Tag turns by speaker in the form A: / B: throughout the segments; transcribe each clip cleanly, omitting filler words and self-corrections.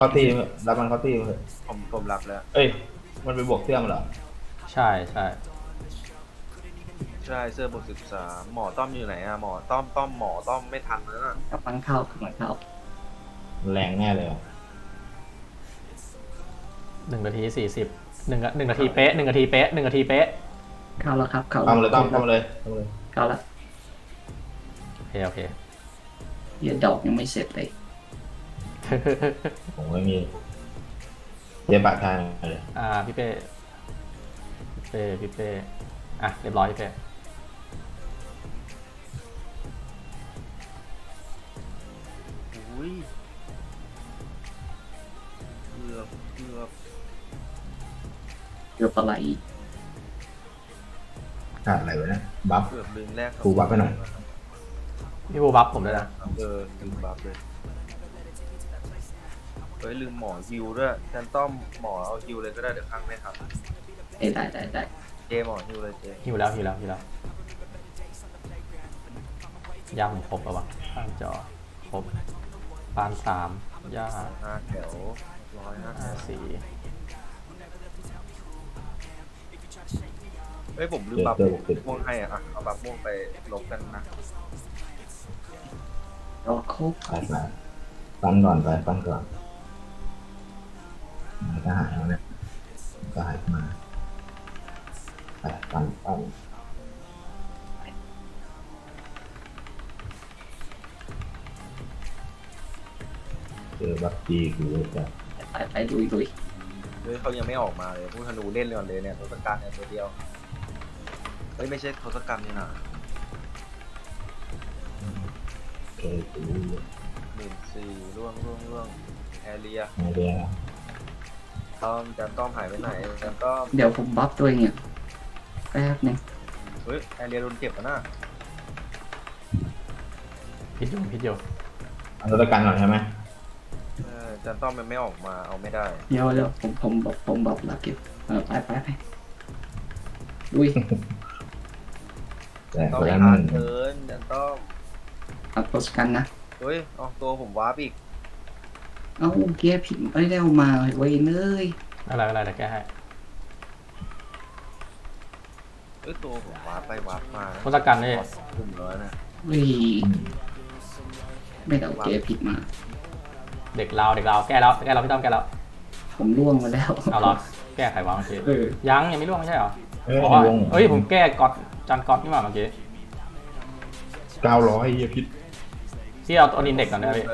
A: เข้าตีรับมันเข้าตีเถอะ
B: ผมรับแล้ว
A: เอ้ยมันไปบวกเสื้อมันเหรอ
C: ใช่ใช่
B: ใช่เสื้อบวก13หมอต้อมอยู่ไหนอะหมอต้อมหมอต้อมไม่ทันแล้วน่ะ
D: กำลังเข้ากำลังเข้า
A: แรงแน่เลยอ่ะ
C: 1 นาที 401 นาทีเป๊ะ1 นาทีเป๊ะ1 นาทีเป๊ะ
D: เข้าแล้วครับเข้า
A: เข้ามาเลยเข้ามาเลยเข้ามาเลย
D: เข้าแล้ว
C: โอเค
D: เดี๋ยวดอกยังไม่เสร็จเลย
A: ผมไม่มีเจ๊ปะทางเลย
C: พี่เป้อ่ะเรียบร้อยพี่เป้
B: อุ้ยเกือบ
D: เกือบอะไร
A: ขาดอะไรวะเนี่ยบัฟ
B: เกือบลืมแรก
A: ครูบัฟไปหน่อย
C: พี่บูบัฟผมด้วยนะ
B: ลืมบัฟเลยเฮ้ยลืมหมอฮิวด้วยแทนต้อมหมอเอาฮิวเลยก็ได้เดี๋ยวข้างไม่ทัน
D: ได้
B: เจหมอฮิวเลยเจ
C: หิวแล้วย่าผมครบแล้ววะข้างจอครบปาน3ย่า
B: 5 แถว154เฮ้ยผมลืมบัฟม่วงให้อ่ะเอาบัฟม่วงไปลบกันนะ
D: ดอกครบ
A: ไปปั้นก่อนไปปั้นก่อนมันก็หายแล้วเนี่ยก็หายมาไปปั้นเจอบัฟจีกูจะ
D: ไปลุย
B: เฮ้ยเขายังไม่ออกมาเลยผู้ธนูเล่นเลยก่อนเลยเนี่ยทศกัณฐ์เนี่ยตัวเดียวเฮ้ยไม่ใช่ทศกัณฐ์นี่นะ
A: เจอกู
B: 14,000ร่วงแอเรียต้อมหายไปไหนแล้วก็
D: เดี๋ยวผมบัฟตัวเองเนี่ยแป๊บนึง
B: เฮ้ยแอเรียโดนเก็บแล้วนะ
C: พิษอยู่
A: เอาตัวกันก่อนใช่ไหม
B: ต้อมมันไม่ออกมาเอาไม่ได้
D: เดี๋ยวผมบัฟแล้วเก็บไปลุย
A: แต่
B: ต้อม
A: คนนั้น
B: ขาดเกินต้อม
D: เอาโพสกันนะ
B: เฮ้ยเอาตัวผมวาร์ปอีก
D: เอาเกียร์ผิดไม่ได้เอามาไว้เลย
C: อะไรเดี๋ยวแก้ให้
B: ตัวผมวาร์ปไปวาร์ปมา
C: ทศกัณฐ์นี่
B: กลุ่มแล้วนะ
D: ไม่ได้เอาเกียร์ผิดมา
C: เด็กเราแก้แล้วพี่ต้อมแก้แล้ว
D: ผมล่วงมาแล้ว
C: เอาเหรอแก้ไขวางเมื่อกี้ยังไม่ล่วงไม่ใช่เหรอผมแก้กดจันกดนี่มาเมื่อกี้
A: 900พิษ
C: ที่เอาตัวนินเด็กก่อนได้พี่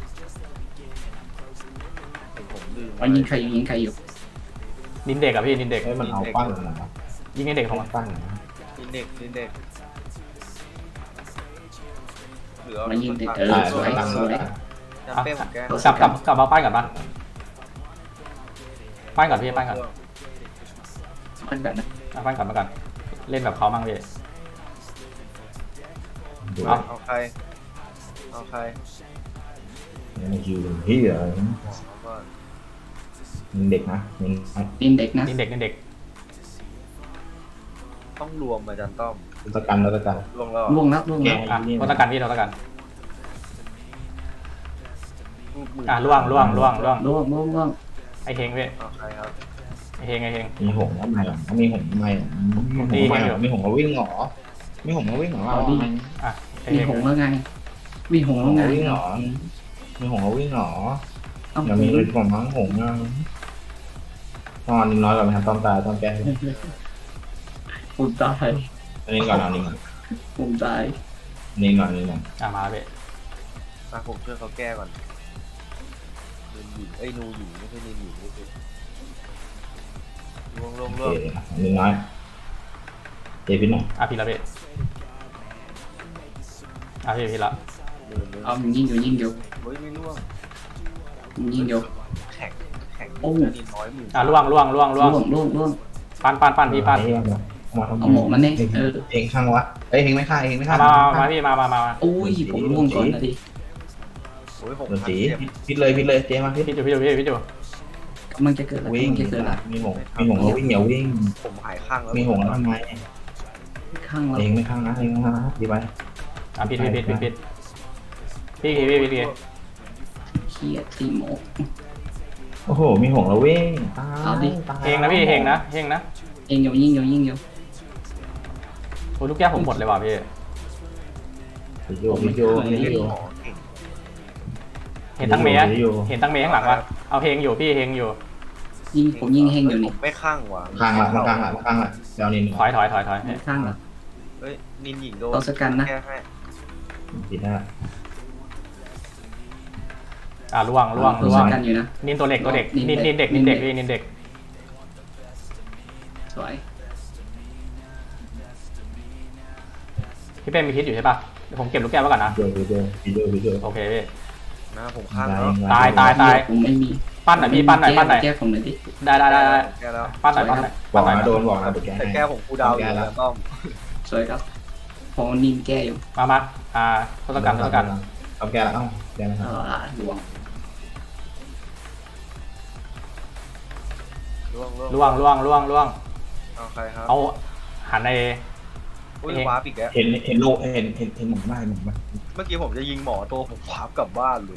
D: มันยิงใครอยู่
C: นินเด็กอะพี่นินเด็ก
A: มันเอาปั้น
C: ยิงนินเด็กของมัน
A: ปั้น
B: นินเด็กเหลือ
D: มันยิงเด็กสวย
C: กลับมาปั้นก่อนปะปั้นก่อนพี่ปั้นก่อนเล่นแบบเขามั่งพี่
B: เอาใคร
A: นี่คิวพี่เหรอเด็กนะ
D: นินเด็ก
B: ต้องรวมอาจารย์ต้อม
A: ทศกัณฐ์
D: ล่วงแล้ว
C: ทศกัณฐ์พี่ทศกัณฐ์ล่วงไอเฮงพี่ไอเฮง
A: มีหงทำไมมีหงทำไมมีหงมาวิ่งหรอมีหงมาวิ่งหรอ
D: มีหงแล้วไงมีหงแล้วไง
A: วิ่งหรอมีหงมาวิ่งหรออย่ามีฤทธิ์ของมั้งหงนะตอนนี้น้อยกว่าไหมครับต้อมตายต้อมแก้
D: ผมตาย
A: อันนี้ก่อน
D: ผมตาย
A: นี่ก่อน
C: มาเว้ย
B: ผมช่วยเขาแก้ก่อนนูหญิงไม่ใช่นินหญิงนี่คือล่วง
A: นี่น้อยเจพิษหน่อย
C: พิษละเว้ยพิษละ
D: เอายิงอยู่
B: เฮ้ยไม่ล่วง
D: ยิงอยู่
B: แข็ง
D: โอ้
B: นินน้อยมือ
C: ล่วงปั้นพี่ปั้น
D: เอาหมกมันเนี่ย
A: เองข้างวะเองไม่ฆ่า
C: มาพี่มา
D: โอ้ยผมล่วงก่อนนะดิ
B: โอ้ย
A: ผมสีพิษเลยเจ๊มาพิษ
C: อยู่
D: มันจะเกิด
A: วิ่งมีหงแล้ววิ่งอย่าวิ่ง
B: ผมหายข้างแล้ว
A: มีหงแล้วทำไม
D: ข้างเรา
A: เองไม่ข้างนะดีไป
C: พิษพี่
D: เขียดตีหมก
A: โหมีหงแล้ววิ่งตาย
D: เอาดิ
A: ตาย
C: เฮงนะพี่เฮงนะเฮงนะ
D: เองอยู่ยิงอยู่ยิงอยู่
C: โอ้ยลูกแก้วผมหมดเลยว่ะพี่
A: วิดีโอวิดีโอวิดีโอ
B: หมอเก่ง
C: เห็นตั้งเมย์
A: วิดีโอ
C: เห็นตั้งเมย์ข้างหลังวะเอาเฮงอยู่พี่เฮงอยู่
D: ยิงผมยิงเฮงอยู่นี่
B: ผมไม่ข้างว่ะ
A: ข้างละข้างละข้างละเดี๋ยวนิน
C: ถอย
D: ข้างเหรอ
B: เฮ้ยนินหญิงโดน
D: ทศกัณฐ์นะ
B: แก้ให้
A: ผิดหน้า
C: ล่วง
D: ทศกัณฐ์อยู่นะ
C: นินตัวเด็ก
D: นิน
C: นินเด็ก
D: นิ
C: นิ
D: น
C: น
D: เด็
C: เด็
D: ก
C: กพี่นินเด็ก
D: สวย
C: พี่เป้มีพิษอยู่ใช่ป่ะเดี๋ยวผมเก็บลูกแก้วไว้ก่อนนะ
A: วิดีโอวิดีโอวิดีโอ
C: โอเคพี่
B: นะผมข้างแล้ว
C: ตาย
D: ผมไม่มี
C: ปั้นหน่อยพี่ปั้นหน่อย
D: แก้ผมหน่อยดิ
C: ได้
B: แก้แล้ว
C: ปั้นหน่อย
A: บอกนะโดนบอกนะเดี๋ยวแก
B: แต่
A: ให้
B: แก้ผมกูดาวอยู่แล้วต้อม
D: สวยครับพอนินแก้อยู่
C: มาทศกัณฐ์
A: เอาแกแล้วเอ้าแกนะครับ
D: หลวง
B: ล่วง
C: ล่วง
B: เอาใครครับ
C: เอาหันใน
B: อุ้ยวาร์ปอีกแล้ว
A: เห็นโลเห็นหมองได้หมองได้
B: เมื่อกี้ผมจะยิงหมอตัวผมวาร์ปกลับบ้านเลย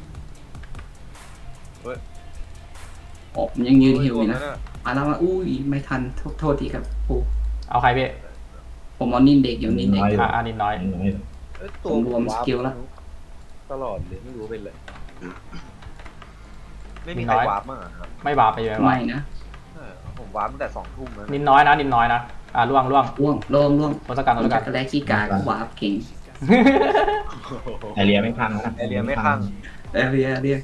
D: ผมยังยืนหิวอยู่นะ
B: โอ้
D: มาแล้วมาอุ้ยไม่ทันโทษทีครับปู
C: เอาใครพี่
D: ผมเอานินเด็กอยู่นินเด็ก
C: นินน้อย
B: เอ้ย
D: ผมรวมสกิลแล้ว
B: ตลอดเลยไม่รู้เป็นเลยไม่มีใครวาร์ปมั้งครับ
C: ไม่บาปไปเลย
D: ไม่นะ
B: ผมวาร์ปตั้งแต่2 ทุ่มแล้ว
C: นินน้อยนะล่วง
D: ล่วง
C: ทศกัณฐ์
D: ผมจักรแรกขี้กากวาร์ปเก่ง
A: ไอเรียไม่พังนะ
B: แอเรียไม่ข้าง
D: เรีย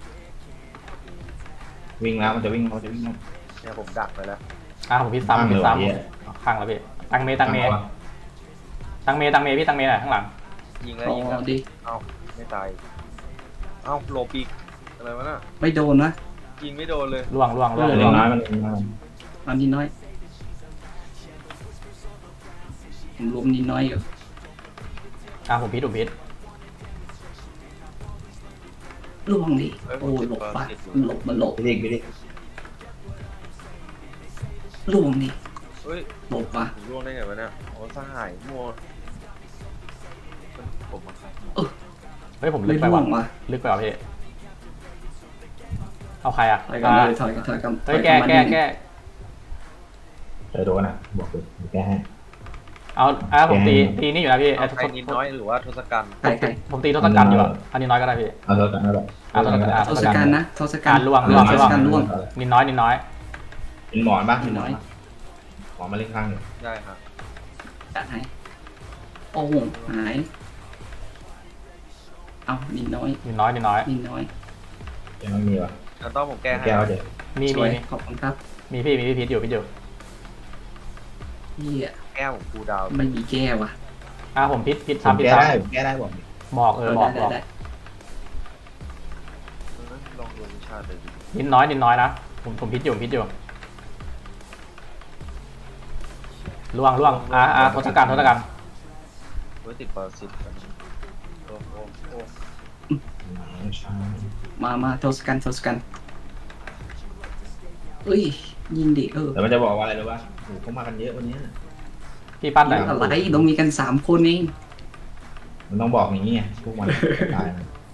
A: วิ่งแล้วมันจะวิ่ง
B: เนี่ยผมดักไปแล้ว
C: ผมพิษซ้ำข้างแล้วพี่ตั้งเมย์พี่ตั้งเมย์หน่อยข้างหลัง
B: ยิงแล้ว
D: อ๋
B: ยิงแล้ว
D: อดิ
B: เอ้าไม่ตายเอ้าโลปีกอะไรวะน่ะ
D: ไม่โดนนะ
B: ยิงไม่โดนเลย
C: ล่วง
A: เล็กน้อยมัน
D: เอานินน้อยผมรวมนินน้อยอยู่
C: ผมพิษ
D: ล่วงดิโอ้ยหลบปะมันหลบ
A: ไปดิ
D: ล่วงดิ
B: เฮ้ย
D: หลบปะ
B: ผมร่วงได้ไงวะเนี่ยโอ้สหายมัวผมมาครับ
C: เฮ้ยผมลึ
D: ไม่
C: กไป
D: ล่ว
C: ว่ะ
D: งวะ
C: ลึกไปว่ะพี่เอาใคร
D: ถอยกันเลยถอยกัน
C: เฮ้ยแก้
A: เจอโดนอ่ะบอกเลยแกให้
C: เอาผมตีนี่อยู่นะพี่
B: ใครนิดน้อยหรือว่าทศกัณฐ์
D: ใคร
C: ผมตีทศกัณฐ์อยู่อันนี้น้อยก็ได้พี่
A: เอาเท่ากันนั่นแหละ
D: ทศกัณฐ์นะทศกัณฐ์
C: ล่วง
D: ทศกัณฐ์ล่วง
C: นินน้อย
A: เป็นหมอนบ้างหมอมาเล่นข้างหนึ่ง
B: ได้ครับ
D: จัดให้โอ้โหหายเอานินน้อย
C: นินน้อย
D: นินน้อย
A: ยังไม่มีวะ
B: แล้วต้องผมแก้ให้
A: แก้วเดี๋ยว
C: มี
D: สวยขอบคุณครับ
C: พี่พิษอยู่
D: เฮีย
B: แก้ผมกูดาว
D: ไม่มีแก้ว่ะ
C: ผมพิษ
A: แก้
C: ซ้ำ
A: ได้บอก
C: บอก
D: ได้
B: ลองดูวิชาเลยดิ
C: นินน้อยนะผมพิษอยู่ล่วงทศกัณฐ์
B: เฮ้ยติดปรสิตกันโอ้
D: มาทศกัณฐ์เอ้ยยิงดิ
A: แต่มันจะบอกว่าอะไรรู้ป่ะโอ้เขามากันเยอะวันนี้
C: พี่ปั้นไหน
D: อะไรต้องมีกัน3 คนเอง
A: มันต้องบอกอย่างนี้ไงพวกมันตาย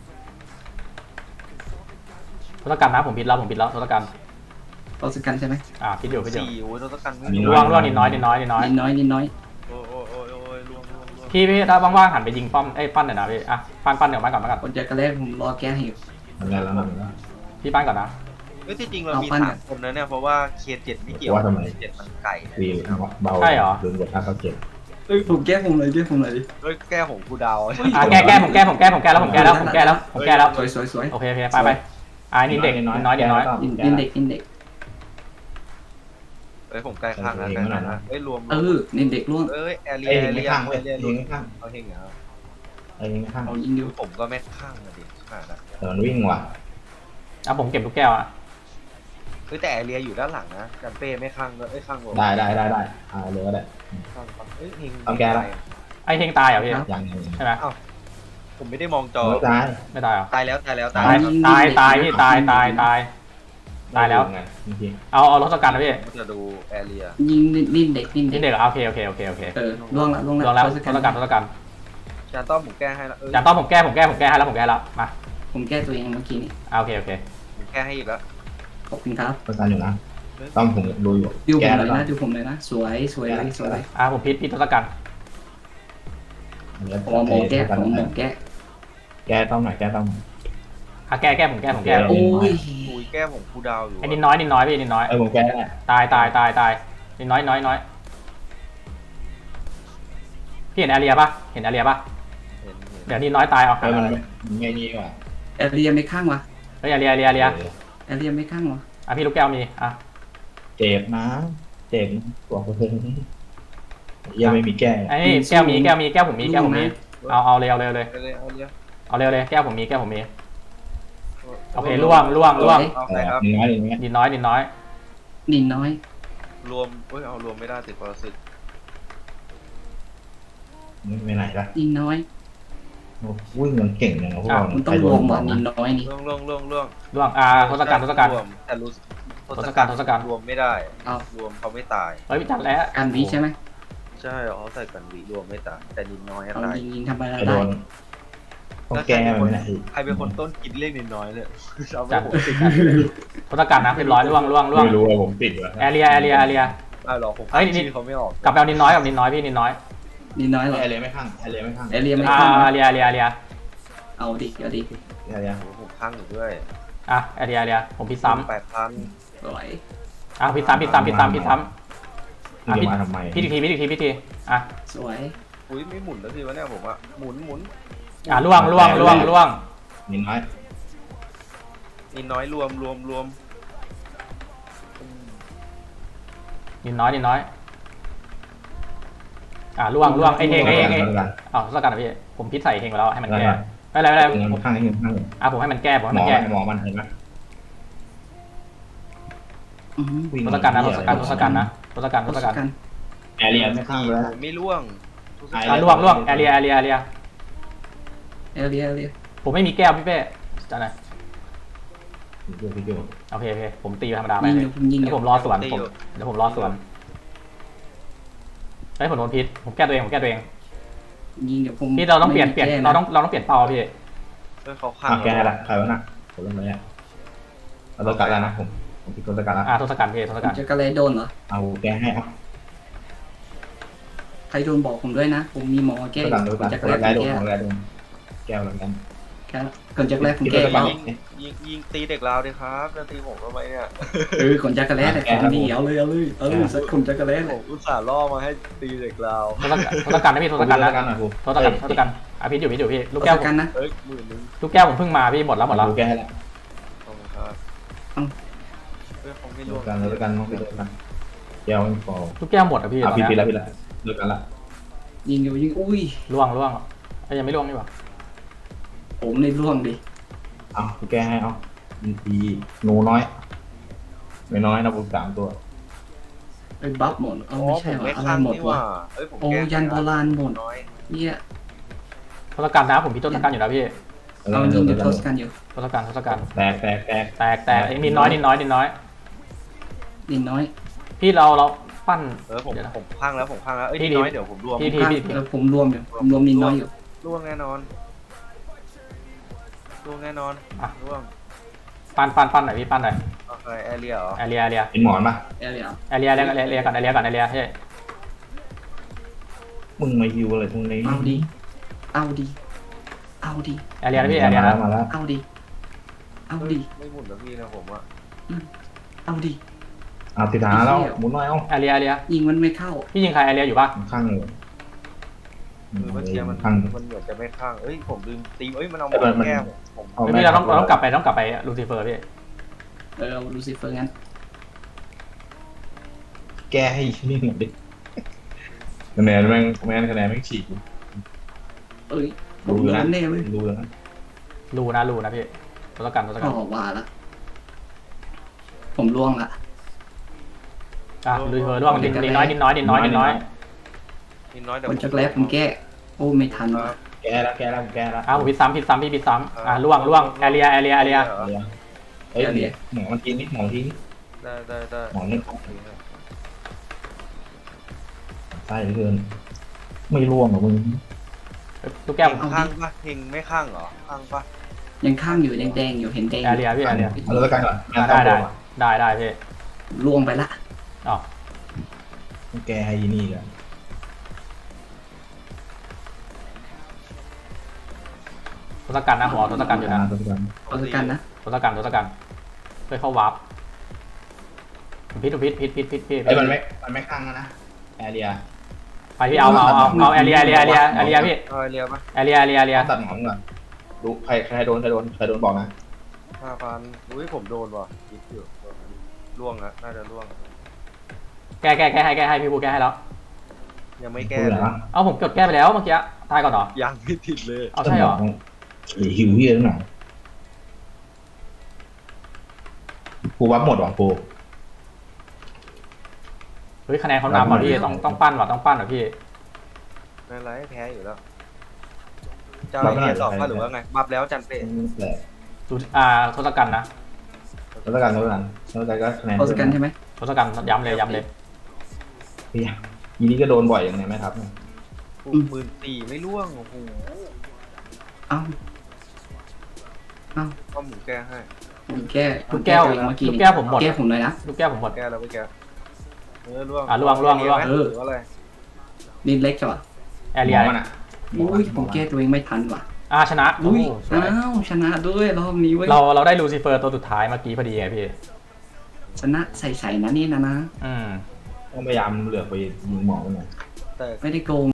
C: ทศกัณฐ์นะผมพิษแล้วทศกัณฐ์
D: ทศกัณฐ์ใช่ไหม
C: พิษอยู่
B: 4โอ้ยทศกัณฐ์
C: ล่วงนินน้อย
D: นินน้อย
B: โอ้ยล่วง
C: พี่ถ้าว่างๆหันไปยิงป้อมปั้นหน่อยนะพี่ปั้นเดี๋ยวมาก่อน
D: คนจักรแรกผมรอแก้ให้อยู่
A: ทำงานแล้วมัน
C: พี่ปั้นก่อนนะ
B: เฮ้ยที่จริงเรามี3 คนนะเนี่ยเพราะว่าเคส7ไม่เกี่ยวเคส7มันไก่
A: วีเบาลืมกดท่าเขาเจ็บ
D: ผมแก้ผมเลย
B: เฮ้ยแก้ผมกูดาว
C: แก้ผมแก้แล้ว
D: สวย
C: โอเคไปนินเด็กน้อย
D: นินเด็ก
B: เฮ้ยผมใกล้ข้างแล้วนะเฮ้ยรวม
D: นินเด็กล่วง
B: เอ้ยแอเรี
A: ไอ้
B: ย
A: เฮงไม่ข้างเว้ยเฮงไม่ข้าง
B: เอาเฮงเหรอ
A: ไอ้เฮงไม่ข้าง
D: เอายิงดิว
B: ผมก็ไม่ข้างเลยดิขาดอ่ะ
A: แต่มันวิ่งว่ะ
C: ผมเก็บลูกแก้ว
B: เฮ้ยแต่แอเรียอยู่ด้านหลังนะจันเป้ไม่ข้างเลยข้าง
A: ได้เลยก็ได้
B: ข้างเฮ้ยเฮง
C: ไอเฮงตายเหรอพี่
A: ยัง
C: ใช่ไหม
B: ผมไม่ได้มองจอ
A: ไม่ตาย
C: ไม่ตายเหรอ
B: ตายแล้ว
C: ตายพี่ตายแล้ว
A: ไงจริง
C: เอาทศกัณฐ์นะพี่
B: ผมจะดูแอเรีย
D: ยิงนินเด็ก
C: นินเด็กโอเค
D: ล่วงแล้ว
C: ทศกัณฐ์
B: จานต้อมผมแก้ให้แล้ว
C: จานต้อมผมแก้ให้แล้วมา
D: ผมแก้ตัวเองเมื่อกี้นี่
C: โอเค
B: ผมแก้ให้อีกแล้ว
D: ขอบคุณครับ
A: ประกันอยู่นะต้อมผมดูอยู่
D: ดูผม
A: แก้
D: เล
A: แล้ว
D: ย
A: ก็
D: นะดูผมเลยนะสวยสวยเลยสวย
C: ผมพิษทศกัณฐ์
D: ผมเอาหมอแก้ผมเอาหมอแก้
A: แก้ต้อมหน่อยแก้ต้อม
C: แก้ผมแก้
D: โอ้ย
B: คุยแก้ผมคูดาวอยู่
C: ไอ้นิดน้อยพี่นิดน้อย
A: ผมแก้ได้
C: ตายนิดน้อยพี่เห็นแอเรียปะเห็น
B: เห็น
C: เดี๋ยวนิดน้อยตายเอา
A: มันไม่นี่ว่ะ
D: แอเรียไม่ข้างวะ
C: เฮ้ยแอเรีย
D: แอเรียไม่ข้างวะ
C: พี่ลูกแก้วมี
A: เจ็บนะเจ็บตัวเพิ่งยังไม่มีแก้
C: ไอ้แก้วผมมีเอาเลย
B: เอาเลย
C: แก้วผมมีโอเคล่วง
B: เอาใครครับ
C: นิดน้อย
D: นินน้อย
B: รวมเอารวมไม่ได้ติดปรสิต
A: ไม่ไหนละ
D: นินน้อย
A: วิ่งมันเก่งอย่างพวกเรา
D: มันต้องรวมว่ะนินน้อยนี่
B: ล่วง
C: ล่วงทศกัณฐ์
B: รวมแต่รู้
C: ทศกัณฐ์
B: รวมไม่ได้
D: เอา
B: รวมเขาไม่ตาย
C: เฮ้ยพี่จัดแล้ว
D: การวีใช่ไหม
B: ใช่เขาใส่กันวีรวมไม่ตายแต่นินน้อย
D: เอา
B: ตาย
D: ยิงธรรมดา
A: โด
D: ได้
A: นต้องแก้มันไหน
B: ใครเป็นคนต้นคิดเลขนินน้อยเลยเอาไป
C: จัด
B: ผม
C: ทศกัณฐ์นะเรียบร้อยล่วง
A: ไม่รู้ว่าผมติดวะ
C: แอเรีย
B: หรอผม
C: เฮ้ย
B: ชื่อเขาไม่ออก
C: กลับไปเอานิดน้อยพี่นิดน้อย
D: นินน้อยเหรอ
A: แอร์เลยไม่ข้างแอร์เลยไม่ข้าง
D: แอเรียไม่ข้าง
C: แอเรีย
D: เอาดิเอาดิ
A: แอร์เลย
B: ผมข้างอยู่ด้วย
C: แอเรียผมพิษซ้ำ
B: 8,000
D: สวย
C: พิษซ้ำ
A: มาทำไม
C: พิธี
D: สวย
B: อุ้ยไม่หมุนแล้วสิวะเนี่ยผมอะหมุน
C: ล่วง
A: นิดน้อย
B: นินน้อยรวม
C: นิดน้อยล่วงไอ้เฮงทศกัณฐ์พี่ผมพิษใส่เฮงไปแล้วให้มันแก้ไม่เป็นไร
A: ข้างนี้ข้าง
C: ผมให้มันแก้
A: หมอมันเห็นไหม
C: ทศกัณฐ์นะ
A: แอร์เรียไม่ข้างเลย
B: ไม่ล่วง
C: ล่วงแอเรีย
D: แอเรีย
C: ผมไม่มีแก้วพี่เป้จัดหน่อย
A: พี่โย
C: โอเคผมตีธรรมดาไป
D: ยิง
C: เดี๋ยวผมรอสวนเดี๋ยวผมรอสวนผมโดนพิษผมแก้ตัวเอง
D: ยิงเดี๋ยวผม
C: พี่เราต้องเปลี่ยนเราต้องเปลี่ยนเป้าพี่
B: เขาข้าง
A: แกละใครวะน่ะผมเริ่มเลยเราต้องการแล้วนะผมพิดต้องการแล้ว
C: ทศกัณฐ์พี่ทศกัณฐ์
D: จะกระไรโดนเหรอ
A: เอาแกให้เอา
D: ใครโดนบอกผมด้วยนะผมมีหมอแก้
A: ต้องการ
D: จะก
A: แก้
D: ระไร
A: โด
D: แก้
A: นแก้โดนแก้วแล้วกัน
D: ก่อนจะแรกผมแก้แล้ว
B: ยิงตีเด็กลาวดิครับจะตีผมทำไมเนี่ย
D: ก่อนจะกระไรแต่ของดีเอาเลยสักคนจะกระไร
B: ผมอุตส่าห์ล่อมาให้ตีเด็กลาว
C: ทศกัณฐ์นะพี่ทศกัณฐ์นะ
A: กันนะครู
C: ทศกัณฐ์พิษอยู่พี่ลูกแก้ว
D: กันนะ
B: เฮ้ย10,000
C: ลูกแก้วผมเพิ่งมาพี่หมดแล้ว
A: แก้แล้ว
B: ขอบคุณครับเขาไม่ล่วง
A: กันแล้วกันต้องไปดูกันแก้วไม่พอ
C: ลูกแก้วหมดพี่
A: พี่ละเลิกกันละ
D: ยิงอยู่ยิงอุ้ย
C: ล่วงยังไม่ล่วงนี่หว่า
D: ผมในร่วงดิ
A: เอาแก้ให้เอาดีหนูน้อยไม่น้อยนะผม3ตัว
D: ไอ้บัฟหมดเอาไม่ใช่ว่าอะไรหมดวะโอ้ยันโบราณหมดเนี่ย
C: ทศกัณฐ์นะผมพิษทศกัณฐ์อยู่นะพี่
D: เอายิงเดี๋ยวทศกันอยู่
C: ทศกัณฐ์
A: แตก
C: นิดน้อย
D: นินน้อย
C: พี่เราปั้น
B: ผมข้างแล้วเอ้ยน้อยเดี๋ยวผมรวม
C: พี่
D: แล้วผมรวมอยู่ผมรวมนินน้อยอยู่
B: ล่วงแน่นอนล่วง
C: ปั้นหน่อยพี่ปั้นหน่อย
B: โอเคแอเรียเหรอ
C: แอเรีย
A: เป็นหมอนป่ะ
D: แอเรีย
C: ก่อนแอเรียใช่
A: มึงมาฮิวอะไรตรงนี้
D: เอาดีเอาดี
C: แอเรียนะพี่แอเรียนะ
A: มาแล้ว
D: เอาดี
B: ไม่หมุนแล้วพี่นะผมอะ
D: เอาดี
A: เอาติดหาแล้วหมุนหน่อยเอา
C: แอเรีย
D: ยิงมันไม่เข้า
C: พี่ยิงใครแอเรียอยู่ป่ะ
A: ข้างเลย
B: คือเมื่อกี้มัน
A: ข้าง
B: เหมือนจะไม่ข้างเอ้ยผมลืมตีมันเอาหมดแก้มผม
C: ไม่เราต้องกลับไปลูซิเฟอร์พี่
D: ลูซิเฟอร์งั้น
A: แก้ให้นี่หน่อยดิคะแนนแม่งฉีก
D: ผมโดนแน่เลย
A: รู้แล้วนะ
C: รูนะพี่ทศกัณฐ์
D: ก็ว่าละผมล่วงละ
C: ลูซิเฟอร์ล่วงนิดน้อย
B: นิดน้อยเดี๋ยว
D: คนจะแรกผมแก้โอ้ไม่ทันว่ะ
A: แก้แล้ว
C: ผมพิษซ้ำพี่พิษซ้ำล่วงแอเรีย
A: เฮ้ยหมอมันกินนิดหมอทิ้ง
B: ได้
A: หมอนี่ใช่เกินไม่ร่วงหรอมึง
C: ลูกแก้ว
B: ข้างปะเฮงไม่ข้างเหรอข้างปะ
D: ยังข้างอยู่แดงอยู่เห็นแดง
C: แอเรียพี่แอเรีย
A: เอาแล้วกันก่อน
C: ได้ได้พี่
D: ล่วงไปละ
C: อ๋อ
A: แกให้ยีนี่กัน
C: ทศกัณฐ์นะผมเอาทศกัณฐ์อยู่นะ
D: เอาด้วยกันนะ
C: ทศกัณฐ์เพื่อเข้าวาร์ปพิษพี่
A: ไอ้มันไม่ข้างแล้วนะแอเรีย
C: ไปพี่เอาแอเรียพี่
B: เอาไอเรียปะ
C: แอเรีย
A: ตัดหมอนก่อนดูใครโดนบอกนะ
B: 5,000อุ้ยผมโดนว่ะคิดอยู่ล่วงอะน่าจะล่วง
C: แก้ให้พี่บูแก้ให้แล้ว
B: ยังไม่แก้
A: พูด
B: เล
A: เหร
B: ย
A: อ
C: เอาผมกดแก้ไปแล้วเมื่อกี้ตายก่อนเหรอ
B: ยังไม่ติดเลย
C: เอาใช่เหรอ
A: หิวเฮียหน่อยกูวับหมดว่ะกู
C: เฮ้ยคะแนนเขานำว่ะพี่ต้องปั้นว่ะพี่
B: ไม่เป็นไรแพ้อยู่แล้วเจ้าไอเรียสองก็หรือว่าไงบัฟแล้วจันเป้
A: แต่
C: ดูทศกัณฐ์นะ
A: แล้วกันก็คะแนน
D: เอาด้วยกันใช่ไหม
C: ทศกัณฐ์ย้ำเลย
A: พี่ยีนี่ก็โดนบ่อยอย่างไงไหมครับเนี่ย
B: 14,000ไม่ล่วงโอ้โห
D: เอ้า
B: ก็หมูแก้ให้
D: ผมแก้
C: ลูกแก้ว
D: เมื่อกี้
C: ลูกแก้วผมหมด
D: แก้ผมเลยนะ
C: ลูกแก้วผมหมด
B: แก้แล้วไม่แก้ล่วง
C: ล่วง
B: หรืออะไร
D: นี่เล็กจังวะ
C: แอเรีย
A: มันอ่ะ
D: อุ้ยผมแก้ตัวเองไม่ทันว่ะ
C: ชนะ
D: อุ้ย
C: สวย
D: อ้าวชนะด้วยรอบนี้เว้ย
C: เราได้ลูซิเฟอร์ตัวสุดท้ายเมื่อกี้พอดีไงพี่
D: ชนะใส่ๆนะนี่นะ
C: อืม
A: ต้องพยายามเหลือไปยิงหมอมันหน่อย
B: แต่
D: ไม่ได้โกง